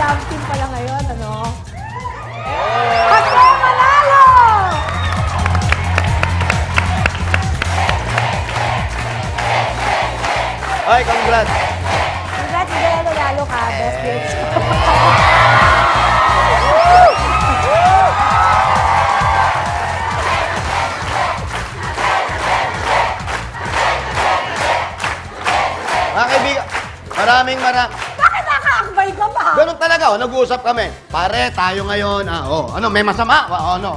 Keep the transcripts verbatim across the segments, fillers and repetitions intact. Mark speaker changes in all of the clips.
Speaker 1: love team pala ngayon, ano? Ako manalo!
Speaker 2: Ay, congrats.
Speaker 1: Congrats, Bea, nanalo ka. Best bitch.
Speaker 2: Mga kaibigan, maraming maraming.
Speaker 1: Bakit nakaakbay ka ba?
Speaker 2: Ganun talaga, oh, nag-uusap kami. Pare, tayo ngayon, ah, oh, ano, may masama? O, ano?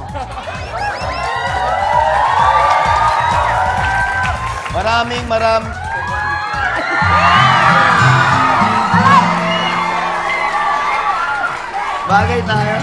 Speaker 2: Maraming maram... Bagay tayo.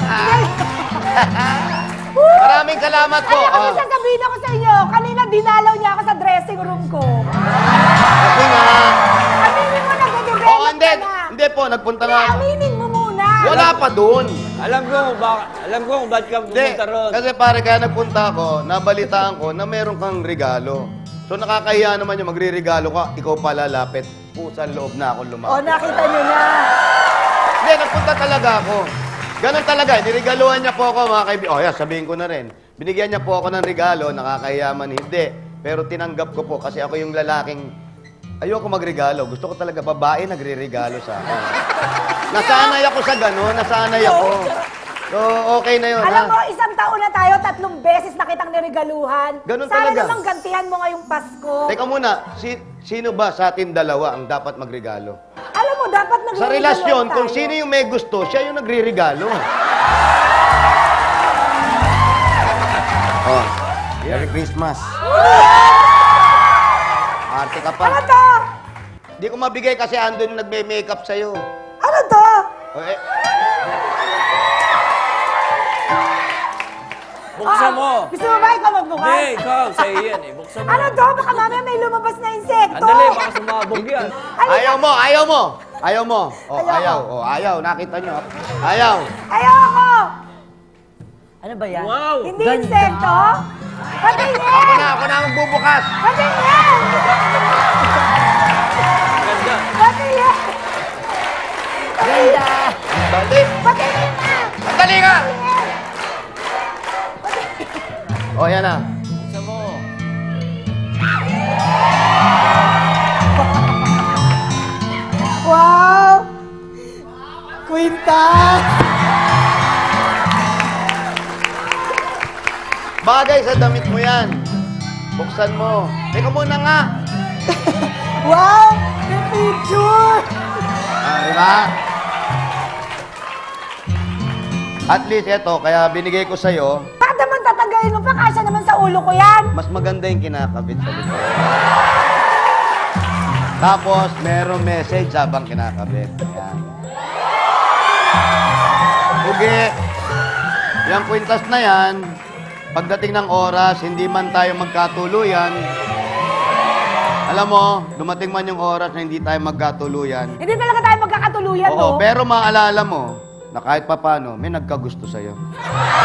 Speaker 2: Maraming salamat po.
Speaker 1: Kaya kasi
Speaker 2: Ah,
Speaker 1: sasabihin ako sa inyo, kanina dinalaw niya ako sa dressing room ko.
Speaker 2: kasi nga...
Speaker 1: Aminin mo, nag-develop
Speaker 2: Oh, hindi,
Speaker 1: ka na.
Speaker 2: hindi po, nagpunta nga.
Speaker 1: Aminin mo muna.
Speaker 2: Wala pa doon.
Speaker 3: Alam ko kung baka, alam ko kung bakit ka
Speaker 2: Hindi,
Speaker 3: pumunta ron.
Speaker 2: kasi pare, kaya nagpunta ako, nabalitaan ko na meron kang regalo. So nakakahiya naman yung magre-regalo ka, ikaw pa lalapit. Pusang loob na ako
Speaker 1: O,
Speaker 2: lumapit.
Speaker 1: nakita niyo na.
Speaker 2: Hindi, nagpunta talaga ako. Ganon talaga, niregaluhan niya po ako mga kaibigan. Oh, yeah, sabihin ko na rin. Binigyan niya po ako ng regalo, nakakahiya man hindi. Pero tinanggap ko po kasi ako yung lalaking ayoko magregalo. Gusto ko talaga babae nagre-regalo sa akin. Nasanay ako sa gano'n, nasanay ako. So, okay na yun,
Speaker 1: Alam
Speaker 2: ha?
Speaker 1: mo, isang taon na tayo, tatlong beses na kitang niregaluhan.
Speaker 2: Ganun
Speaker 1: Sana
Speaker 2: talaga.
Speaker 1: namang gantihan mo ngayong Pasko.
Speaker 2: Teka muna, si, sino ba sa atin dalawa ang dapat magregalo?
Speaker 1: Alam mo, dapat nagre
Speaker 2: Sa relasyon, kung sino yung may gusto, siya yung nagre-regalo. Oh, Merry Christmas. Arte ka pa.
Speaker 1: Ano to?
Speaker 2: Hindi ko mabigay kasi andun yung nagme-makeup sa'yo.
Speaker 1: Ano to?
Speaker 2: Oh, eh,
Speaker 3: Buksan
Speaker 1: Ah,
Speaker 3: mo.
Speaker 1: Gusto mo ba ikaw magbukas?
Speaker 3: Hindi, ikaw, sa'yo yan eh. Buksan mo.
Speaker 1: Ano to? Baka mamaya may lumabas na insekto.
Speaker 3: Andali, baka sumabog yan.
Speaker 2: ayaw mo, ayaw mo. Ayaw mo. Oh,
Speaker 1: Ayoko.
Speaker 2: ayaw. Oh, ayaw. Nakita nyo. Ayaw.
Speaker 1: Ayoko!
Speaker 4: Ano ba yan?
Speaker 3: Wow!
Speaker 1: Hindi
Speaker 4: Ganda.
Speaker 1: insekto? Patingin!
Speaker 2: Ako na, ako na ang bubukas.
Speaker 1: Patingin!
Speaker 3: Ganda.
Speaker 1: Patingin!
Speaker 4: Ganda!
Speaker 2: Dali.
Speaker 1: Patingin na!
Speaker 2: Dali nga. Oh, yan na.
Speaker 3: Buksan mo.
Speaker 1: Wow! Quinta!
Speaker 2: Bagay sa damit mo yan. Buksan mo. Teka muna nga.
Speaker 1: Wow! May picture!
Speaker 2: Ah, di ba? At least ito, kaya binigay ko sa'yo,
Speaker 1: Bakit naman tatagalin mo pa? Kasya naman sa ulo ko yan!
Speaker 2: mas maganda yung kinakabit sa likod. Tapos, merong message habang kinakabit. Yan. Ugi. Yung kwintas na yan, pagdating ng oras, hindi man tayo magkatuluyan. Alam mo, dumating man yung oras na hindi tayo magkatuluyan.
Speaker 1: Hindi talaga tayo magkakatuluyan,
Speaker 2: Oo,
Speaker 1: no?
Speaker 2: pero maalala mo na kahit papano, may nagkagusto sa'yo.